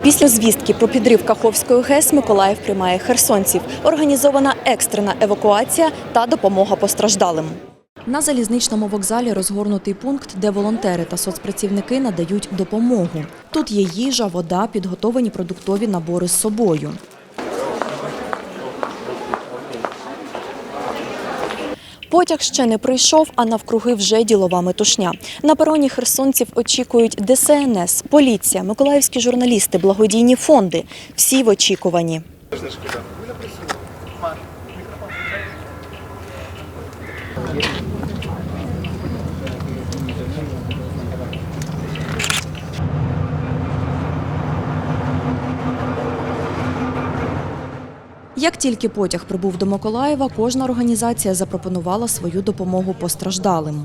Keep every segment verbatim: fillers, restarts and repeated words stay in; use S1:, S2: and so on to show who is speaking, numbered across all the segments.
S1: Після звістки про підрив Каховської ГЕС Миколаїв приймає херсонців. Організована екстрена евакуація та допомога постраждалим. На залізничному вокзалі розгорнутий пункт, де волонтери та соцпрацівники надають допомогу. Тут є їжа, вода, підготовлені продуктові набори з собою. Потяг ще не прийшов, а навкруги вже ділова метушня. На пероні херсонців очікують Де Се Ен Ес, поліція, миколаївські журналісти, благодійні фонди. Всі в очікуванні. Як тільки потяг прибув до Миколаєва, кожна організація запропонувала свою допомогу постраждалим.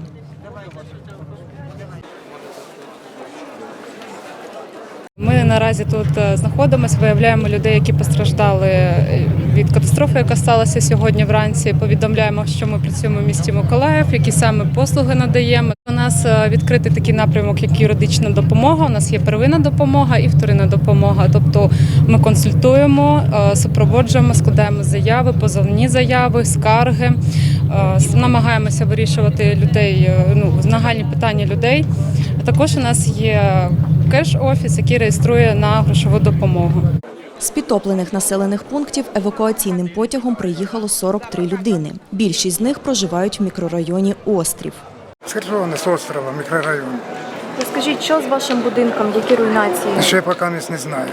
S2: Ми наразі тут знаходимося, виявляємо людей, які постраждали від катастрофи, яка сталася сьогодні вранці. Повідомляємо, що ми працюємо в місті Миколаїв, які саме послуги надаємо. У нас відкритий такий напрямок, як юридична допомога. У нас є первинна допомога і вторинна допомога. Тобто ми консультуємо, супроводжуємо, складаємо заяви, позовні заяви, скарги. Намагаємося вирішувати людей, ну, нагальні питання людей. А також у нас є кеш-офіс, який реєструє на грошову допомогу.
S1: З підтоплених населених пунктів евакуаційним потягом приїхало сорок три людини. Більшість з них проживають в мікрорайоні Острів.
S3: З Херсона, з острова, мікрорайон.
S1: Розкажіть, що з вашим будинком, які руйнації?
S3: Ще поки не знаю.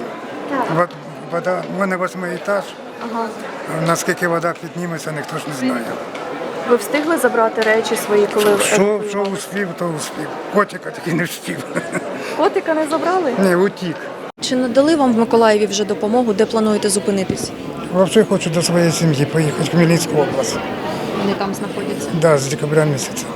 S3: Вода, у мене восьмий етаж,
S1: Ага.
S3: наскільки вода підніметься, ніхто ж не знає.
S1: Ви встигли забрати речі свої, коли
S3: Що, що успів, то успів. Котика таки не встиг.
S1: Котика не забрали?
S3: Ні, утік.
S1: Чи надали вам в Миколаєві вже допомогу, де плануєте зупинитись?
S3: Взагалі хочу до своєї сім'ї поїхати в Хмельницьку область.
S1: Вони там знаходяться.
S3: Так, да, з декабря місяця.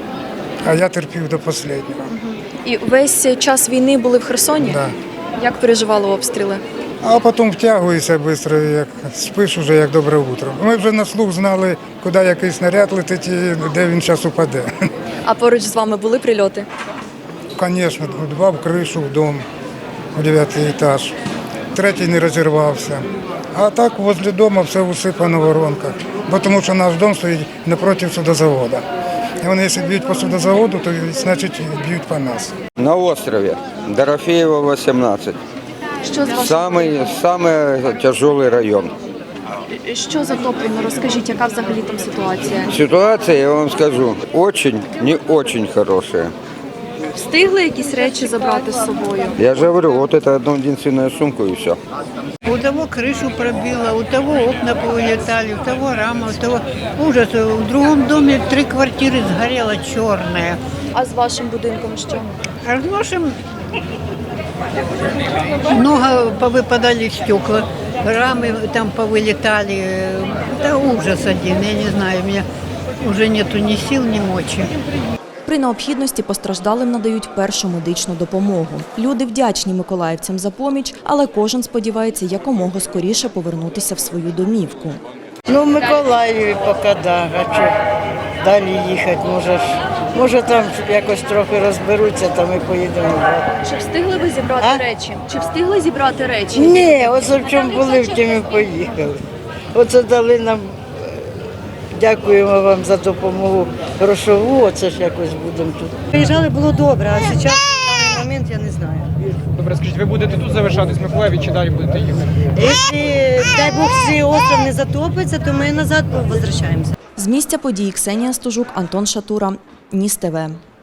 S3: А я терпів до останнього.
S1: І весь час війни були в Херсоні?
S3: Да.
S1: Як переживали обстріли?
S3: А потім втягуєшся швидко, як спиш уже, як добре утро. Ми вже на слух знали, куди який снаряд летить і де він зараз упаде.
S1: А поруч з вами були прильоти?
S3: Звісно, два в кришу, в дом, у дев'ятий етаж. Третій не розірвався. А так возле дому все усипано в воронках. Бо тому що наш дом стоїть напроти судозаводу. І вони, якщо б'ють по судозаводу, то значить б'ють по нас.
S4: На острові Дорофеєва, вісімнадцять.
S1: Що з вашим?
S4: Самий, самий тяжелий район.
S1: Що затоплено? Розкажіть, яка взагалі там ситуація?
S4: Ситуація, я вам скажу, очень, не очень хорошая.
S1: Встигли якісь речі забрати з собою?
S4: Я же говорю, вот это одну единственную сумку и все.
S5: У того крышу пробило, у того окна повылетали, у того рама, у того ужас. В другом доме три квартиры сгорело черное.
S1: А з вашим будинком що?
S5: А в нашем много повыпадали стекла, рамы там повылетали. Да ужас один, я не знаю, у меня уже нету ни сил, ни мочи.
S1: При необхідності постраждалим надають першу медичну допомогу. Люди вдячні миколаївцям за поміч, але кожен сподівається якомога скоріше повернутися в свою домівку.
S6: Ну, в Миколаєві поки да, а що далі їхати, може, може там якось трохи розберуться, там і поїдемо.
S1: Чи встигли ви зібрати
S6: А?
S1: речі? Чи встигли зібрати речі?
S6: Ні, оце в чому були, в тім і поїхали. Оце дали нам, дякуємо вам за допомогу грошову, оце ж якось будемо тут.
S7: Приїжджали, було добре, а зараз, в даний момент, я не знаю.
S8: Добре, скажіть, ви будете тут залишатись в Миколаєві чи далі будете їхати?
S7: Якщо, дай Бог, цей остров не затопиться, то ми назад повертаємося.
S1: З місця подій Ксенія Стужук, Антон Шатура, Ніс ТВ.